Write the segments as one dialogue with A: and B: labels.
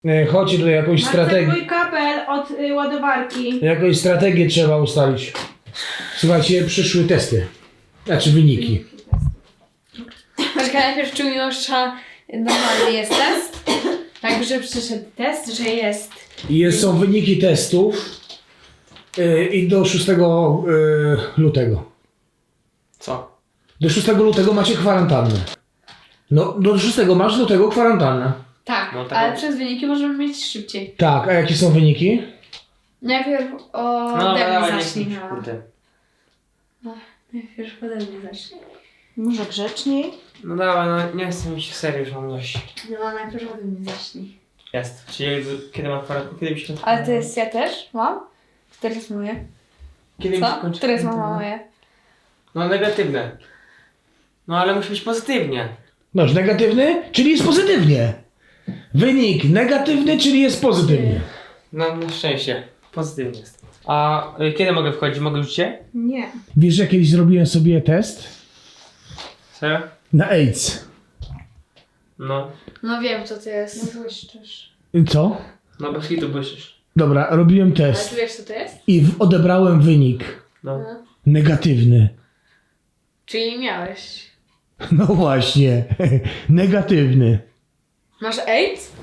A: Chodźcie tutaj jakąś strategię.
B: Mój kabel od ładowarki.
A: Jakąś strategię trzeba ustalić. Słuchajcie, przyszły testy. Znaczy wyniki.
B: Poczekaj, najpierw czy u Miłosza normalny jest test? Tak, że przyszedł test, że jest.
A: Są wyniki testów i do 6 lutego.
C: Co?
A: Do 6 lutego macie kwarantannę. No, do 6 masz lutego kwarantannę.
B: Tak,
C: No tak.
B: ale przez wyniki możemy mieć szybciej.
A: Tak, a jakie są wyniki?
B: Najpierw o
C: No
B: ode
C: dawaj,
B: mnie
C: nie
B: zacznij.
C: chcę, kurde.
B: Najpierw ode mnie zacznij. Może grzeczniej?
C: No dawaj, no nie chcę mi się serio, już mam dość.
B: No najpierw ode mnie zacznij.
C: Jest. Czyli kiedy mam kwarantannę? Kiedy mi się...
B: Ale to jest ja też mam? Które jest moje?
C: Kiedy mi się
B: Co?
C: kończy
B: Które jest
C: kwarantanna?
B: mama moje?
C: No negatywne. No ale musi być pozytywnie.
A: Masz negatywny, czyli jest pozytywnie. Wynik negatywny, czyli jest pozytywnie.
C: No na szczęście. Pozytywnie jest. A kiedy mogę wchodzić? Mogę już cię?
B: Nie.
A: Wiesz, że kiedyś zrobiłem sobie test
C: Serio?
A: na AIDS.
C: No.
B: No wiem co to jest. No błyszczysz.
A: Co?
C: No bez hitu błyszysz.
A: Dobra, robiłem
B: Ale
A: test
B: ty wiesz co to jest?
A: i odebrałem wynik
C: No.
B: No.
A: negatywny.
B: Czyli miałeś.
A: No właśnie, negatywny.
B: Masz AIDS?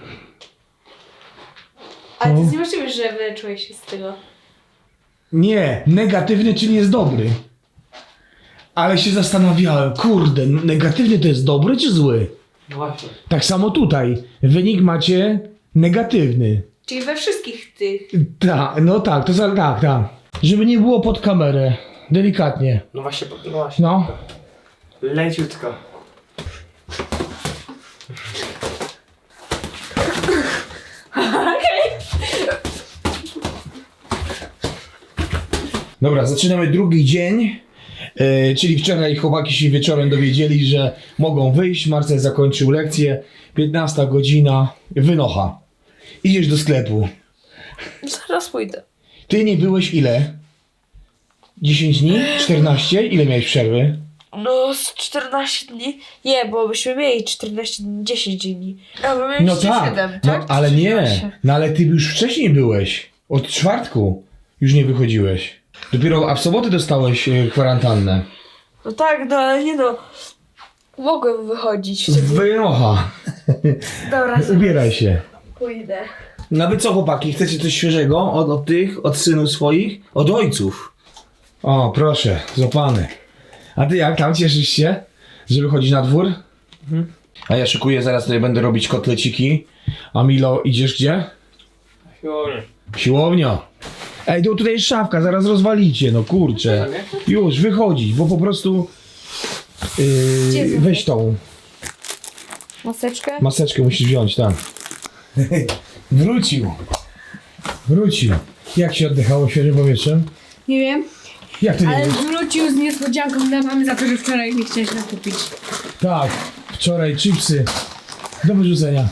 B: Ale to
A: No.
B: jest niemożliwe, że wyleczyłeś się z tego.
A: Nie, negatywny, czyli jest dobry. Ale się zastanawiałem, kurde, negatywny to jest dobry czy zły?
C: No właśnie.
A: Tak samo tutaj, wynik macie negatywny.
B: Czyli we wszystkich tych.
A: Tak, no tak, tak. Żeby nie było pod kamerę, delikatnie.
C: No właśnie, no właśnie.
A: No.
C: Leciutko.
A: Dobra, zaczynamy drugi dzień. Czyli wczoraj chłopaki się wieczorem dowiedzieli, że mogą wyjść. Marcel zakończył lekcję. 15 godzina. Wynocha. Idziesz do sklepu.
B: Zaraz pójdę.
A: Ty nie byłeś ile? 10 dni? 14? Ile miałeś przerwy?
D: No z 14 dni. Nie, bo byśmy mieli 14 dni, 10 dni. A my mieliśmy
A: No tak,
D: 7,
A: no,
D: tak?
A: ale nie.
D: 13.
A: No ale ty już wcześniej byłeś. Od czwartku już nie wychodziłeś. Dopiero, a w sobotę dostałeś kwarantannę.
D: No tak, no ale nie no. Mogłem wychodzić wtedy.
A: Wynocha.
D: Dobra,
A: Ubieraj się.
D: pójdę.
A: No wy co chłopaki, chcecie coś świeżego od tych, od synów swoich? Od ojców. O, proszę, złapany. A ty jak tam, cieszysz się, że wychodzisz na dwór? A ja szykuję, zaraz tutaj będę robić kotleciki. A Milo, idziesz gdzie?
C: Siłownie.
A: Siłownia. Ej, to tutaj jest szafka, zaraz rozwalicie, no kurczę. Już, wychodzić, bo po prostu... weź tą
B: Maseczkę?
A: maseczkę musisz wziąć, tak. Wrócił. Jak się oddychało świeżym powietrzem?
B: Nie wiem.
A: Jak to nie
B: Ale
A: wiesz?
B: wrócił z niespodzianką dla mamy za to, że wczoraj nie chciałeś nakupić.
A: Tak, wczoraj chipsy do wyrzucenia.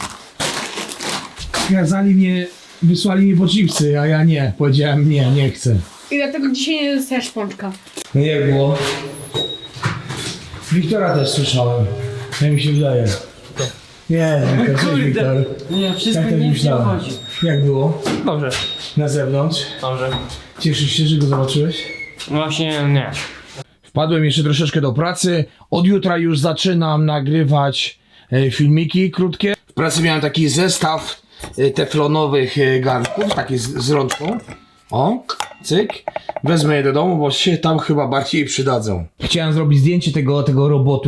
A: Wysłali mnie po chipsy, a ja nie. Powiedziałem nie chcę.
B: I dlatego dzisiaj nie dostajesz pączka.
A: No jak było? Wiktora też słyszałem. Jak mi się wydaje. Nie, cześć Wiktor.
C: Nie, wszystko
A: Tak też
C: nie
A: myślałem.
C: chodzi.
A: Jak było?
C: Dobrze.
A: Na zewnątrz?
C: Dobrze.
A: Cieszysz się, że go zobaczyłeś?
C: Właśnie nie.
A: Wpadłem jeszcze troszeczkę do pracy. Od jutra już zaczynam nagrywać filmiki krótkie. W pracy miałem taki zestaw teflonowych garnków, takie z rączką. O, cyk. Wezmę je do domu, bo się tam chyba bardziej przydadzą. Chciałem zrobić zdjęcie tego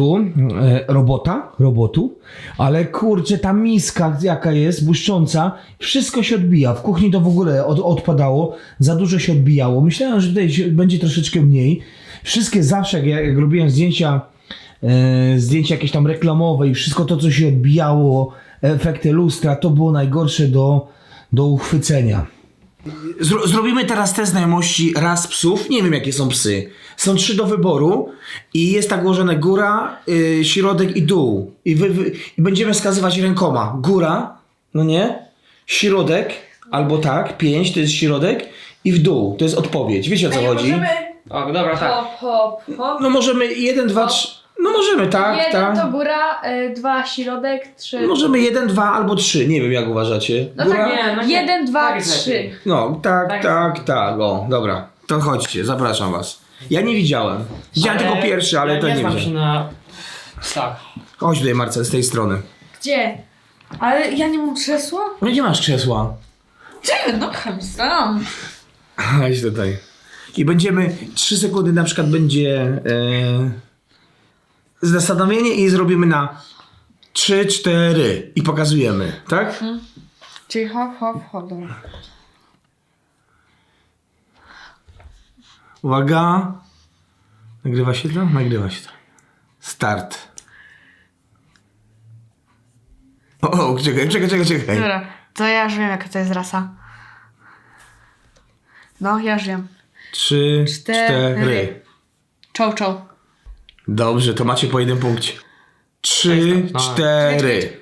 A: robotu, ale kurczę, ta miska jaka jest, błyszcząca, wszystko się odbija. W kuchni to w ogóle odpadało, za dużo się odbijało. Myślałem, że tutaj będzie troszeczkę mniej. Wszystkie zawsze, jak robiłem zdjęcia jakieś tam reklamowe i wszystko to, co się odbijało, efekty lustra, to było najgorsze do uchwycenia. Zrobimy teraz test znajomości ras psów. Nie wiem, jakie są psy. Są 3 do wyboru i jest tak ułożone góra, środek i dół. I będziemy wskazywać rękoma. Góra, no nie? Środek, albo tak, 5 to jest środek i w dół, to jest odpowiedź. Wiecie, o co chodzi?
C: O, dobra, tak.
B: Hop, hop, hop.
A: No możemy 1, 2, 3. No możemy, tak,
B: 1 to
A: tak.
B: góra, 2 środek, 3...
A: Możemy 1, 2 albo 3, nie wiem jak uważacie.
B: No
A: Góra?
B: tak,
C: Nie, no nie.
B: 1, 2,
C: Tak jest
B: 3.
C: lepiej.
A: No, tak,
C: Tak.
A: tak, tak, o, dobra. To chodźcie, zapraszam was. Ja nie widziałem. Widziałem tylko pierwszy, ale
C: ja
A: to nie
C: znam się
A: widziałem.
C: na psach.
A: Chodź tutaj, Marcel, z tej strony.
B: Gdzie? Ale ja nie mam krzesła?
A: No nie masz krzesła.
B: Gdzie? No sam.
A: Chodź tutaj. I będziemy, 3 sekundy na przykład będzie zastanowienie i zrobimy na 3, 4 i pokazujemy, tak?
B: Czyli hop, dobra.
A: Uwaga. Nagrywa się to? Nagrywa się to. Start. O, czekaj.
B: Dobra, to ja już wiem jaka to jest rasa. No, ja już wiem.
A: 3, 4.
B: Czoł.
A: Dobrze, to macie po 1 punkcie. 3,
C: No.
A: 4.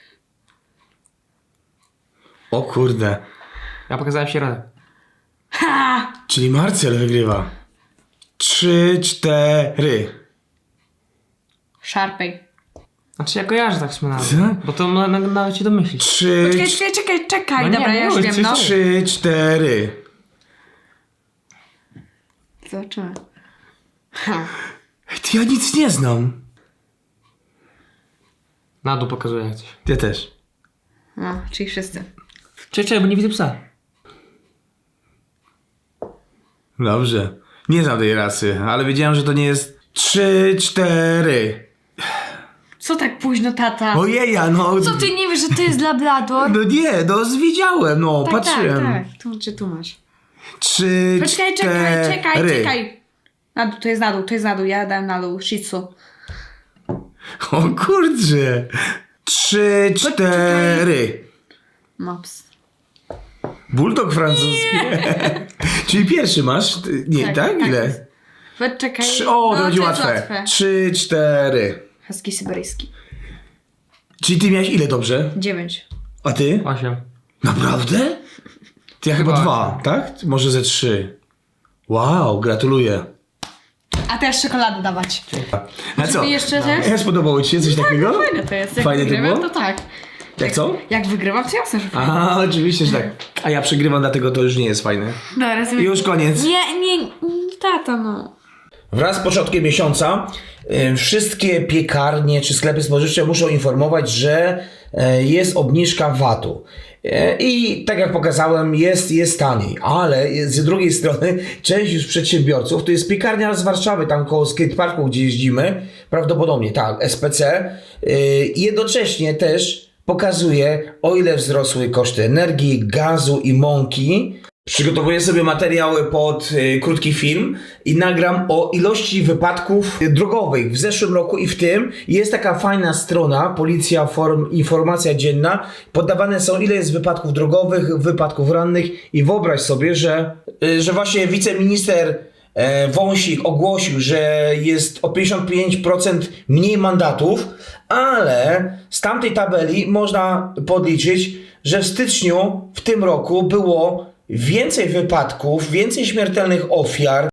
A: O kurde.
C: Ja pokazałem środek.
B: Ha!
A: Czyli Marcel wygrywa. 3, 4.
B: Szarpej.
C: Znaczy ja kojarzę tak nawet.
A: Co?
C: Bo to nawet się domyślić.
A: 3,
B: Czekaj.
C: No nie,
B: Dobra, ja już
C: mów,
B: wiem,
C: coś
B: no.
A: 3, 4.
B: Zobaczymy.
A: Ty, ja nic nie znam.
C: Na dół pokazuję jak coś.
A: Ja też.
B: No, czyli wszyscy.
C: Czekaj, bo nie widzę psa.
A: Dobrze. Nie znam tej rasy, ale wiedziałem, że to nie jest 3, 4.
B: Co tak późno, tata?
A: Ojeja, no.
B: Co ty nie wiesz, że to jest Labrador?
A: No nie, no wiedziałem, no, patrzyłem.
B: Tak. Tu masz.
A: 3,
B: Poczekaj,
A: 4.
B: czekaj. To jest na dół, ja dałem na dół, shih tzu.
A: O kurczę. 3, 4.
B: Mops.
A: Bulldog francuski. Czyli pierwszy masz? Nie, tak? Ile?
B: Poczekaj.
A: 3, o, to będzie
B: jest
A: łatwe. 3, 4.
B: Husky syberyjski.
A: Czyli ty miałeś ile dobrze?
B: 9.
A: A ty?
C: 8.
A: Naprawdę? Ty ja chyba
C: Chyba
A: 2, tak? Może ze 3. Wow, gratuluję.
B: A teraz czekoladę dawać.
A: A co?
B: I jeszcze też?
A: Ja spodobało ci się coś takiego?
B: Fajne to jest. Jak
A: Fajne to
B: wygrywam,
A: było?
B: to tak.
A: Jak co?
B: Jak wygrywam, to jasne, że fajne.
A: A, oczywiście, że tak. A ja przegrywam, dlatego to już nie jest fajne.
B: Dobra, rozumiem.
A: Już koniec.
B: Nie, tata, no.
A: Wraz z początkiem miesiąca wszystkie piekarnie czy sklepy spożywcze muszą informować, że jest obniżka VAT-u. I tak jak pokazałem, jest taniej, ale z drugiej strony część już przedsiębiorców, to jest piekarnia z Warszawy, tam koło skateparku, gdzie jeździmy, prawdopodobnie tak, SPC, jednocześnie też pokazuje, o ile wzrosły koszty energii, gazu i mąki. Przygotowuję sobie materiały pod krótki film i nagram o ilości wypadków drogowych w zeszłym roku i w tym. Jest taka fajna strona, Policja Informacja Dzienna. Podawane są ile jest wypadków drogowych, wypadków rannych i wyobraź sobie, że właśnie wiceminister Wąsik ogłosił, że jest o 55% mniej mandatów, ale z tamtej tabeli można podliczyć, że w styczniu w tym roku było więcej wypadków, więcej śmiertelnych ofiar,